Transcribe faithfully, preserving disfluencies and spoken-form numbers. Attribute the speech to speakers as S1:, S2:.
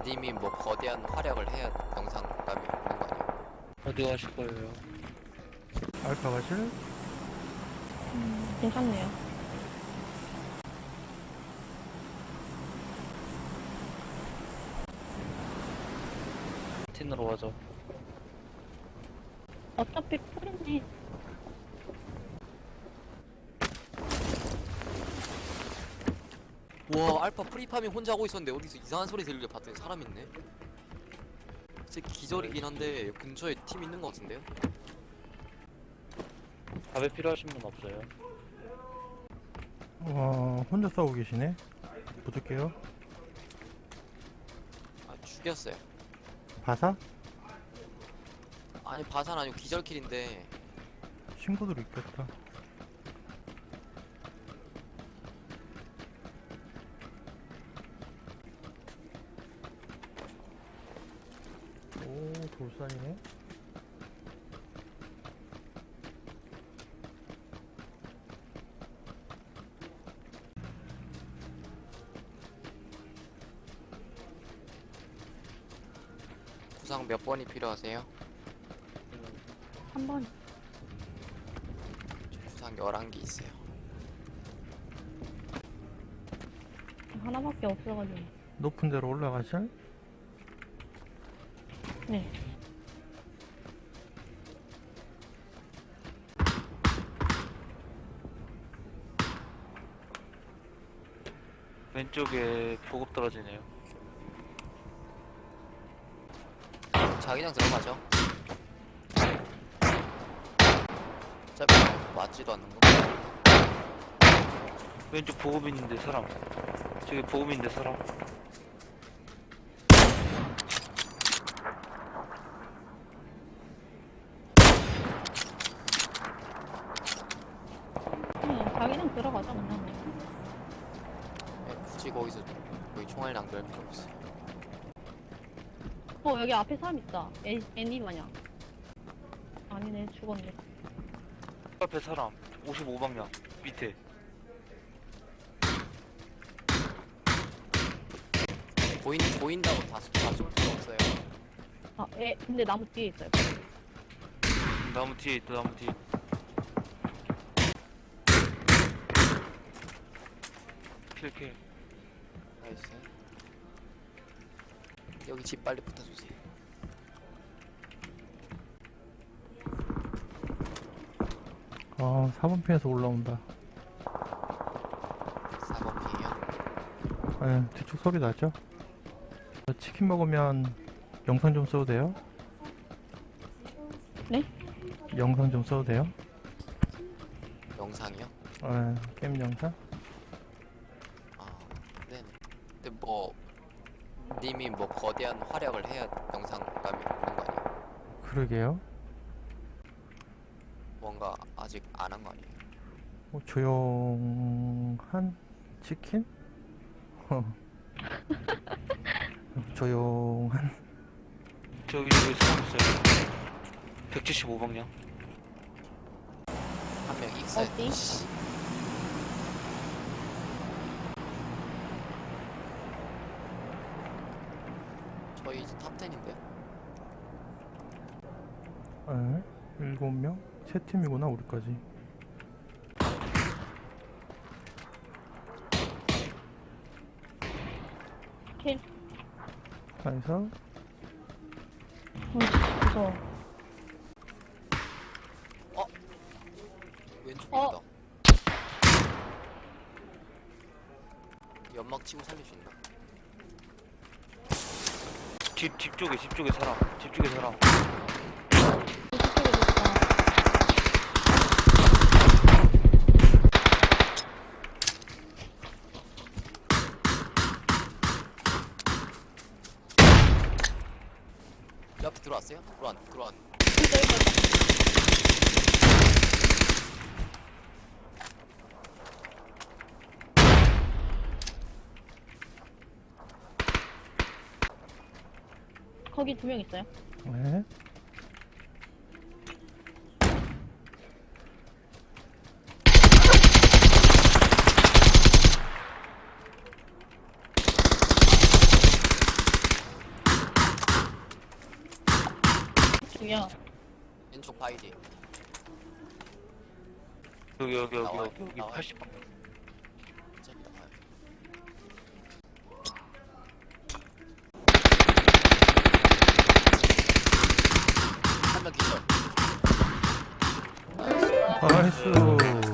S1: 님이 뭐 거대한 활약을 해야 영상감이 있는 거 아니에요?
S2: 어디 가실 거예요?
S3: 알파 가실?
S4: 음, 괜찮네요.
S2: 팀으로 가죠.
S4: 어차피 풀이네.
S1: 와, 알파 프리파밍 혼자 하고 있었는데 어디서 이상한 소리 들리게 봤더니 사람 있네. 제 기절이긴 한데 근처에 팀 있는 거 같은데요?
S2: 밥에 필요하신 분 없어요?
S3: 와, 혼자 싸우고 계시네? 붙을게요.
S1: 아, 죽였어요.
S3: 바사?
S1: 아니, 바산 아니고 기절킬인데.
S3: 친구들 있겠다. 오, 돌산이네?
S1: 구상 몇 번이 필요하세요?
S4: 한 번.
S1: 저 구상 열한 개 있어요.
S4: 하나밖에 없어가지고.
S3: 높은 데로 올라가실?
S4: 네.
S2: 왼쪽에 보급 떨어지네요.
S1: 자기장 들어가죠. 어차피 맞지도 않는 거.
S2: 왼쪽 보급 있는데 사람. 저기 보급 있는데 사람.
S4: 응, 자기는 들어가자, 그냥.
S1: 네, 굳이 거기서 거기 총알 낭비할 필요 없어요.
S4: 어, 여기 앞에 사람 있다. 애, 애니 마냥. 아니네, 죽었네.
S2: 앞에 사람. 오십오 방향. 밑에.
S1: 보인 보인다고 다다쏠 필요 없어요.
S4: 아, 애, 근데 나무 뒤에 있어요.
S2: 나무 뒤에 있다, 나무 뒤에. 킬, 킬.
S1: 나이스. 여기 집 빨리 붙어주세요.
S3: 아, 사 번 핀에서 올라온다.
S1: 사 번 핑이요.
S3: 네, 뒤쪽 소리 나죠? 치킨 먹으면 영상 좀 써도 돼요?
S4: 네?
S3: 영상 좀 써도 돼요?
S1: 영상이요?
S3: 네, 게임 영상?
S1: 아, 네네. 근데 뭐 님이 뭐 거대한 활약을 해야 영상감이 있는 거 아니에요?
S3: 그러게요.
S1: 뭔가 아직 안 한 거 아니에요?
S3: 뭐 조용한 치킨? 조용한
S2: 저기 저기 사람 있어요. 백칠십오 방향.
S1: 한 명 익사했.
S4: 어디?
S1: 씨. 저희 이제 탑텐인데요?
S3: 네, 일곱 명? 세 팀이구나 우리까지.
S4: 킬.
S3: 그래서
S4: 어, 무서워.
S1: 왼쪽에
S4: 어?
S1: 있다. 연막 치고 살릴 수 있나?
S2: 집, 집 쪽에, 집 쪽에 사람. 집 쪽에 사람.
S4: 이쪽에 있다.
S1: 옆에 들어왔어요? 들어왔, 들어왔.
S4: 진짜 있다. 거기 두 명 있어요.
S3: 네.
S4: 쪽이야.
S1: 왼쪽 바이디.
S2: 여기 여기 여기
S1: 나와요,
S2: 여기 여기
S1: 나와요.
S2: 팔십 방.
S1: 어차피 나와요. 한 명 기절.
S3: 나이스.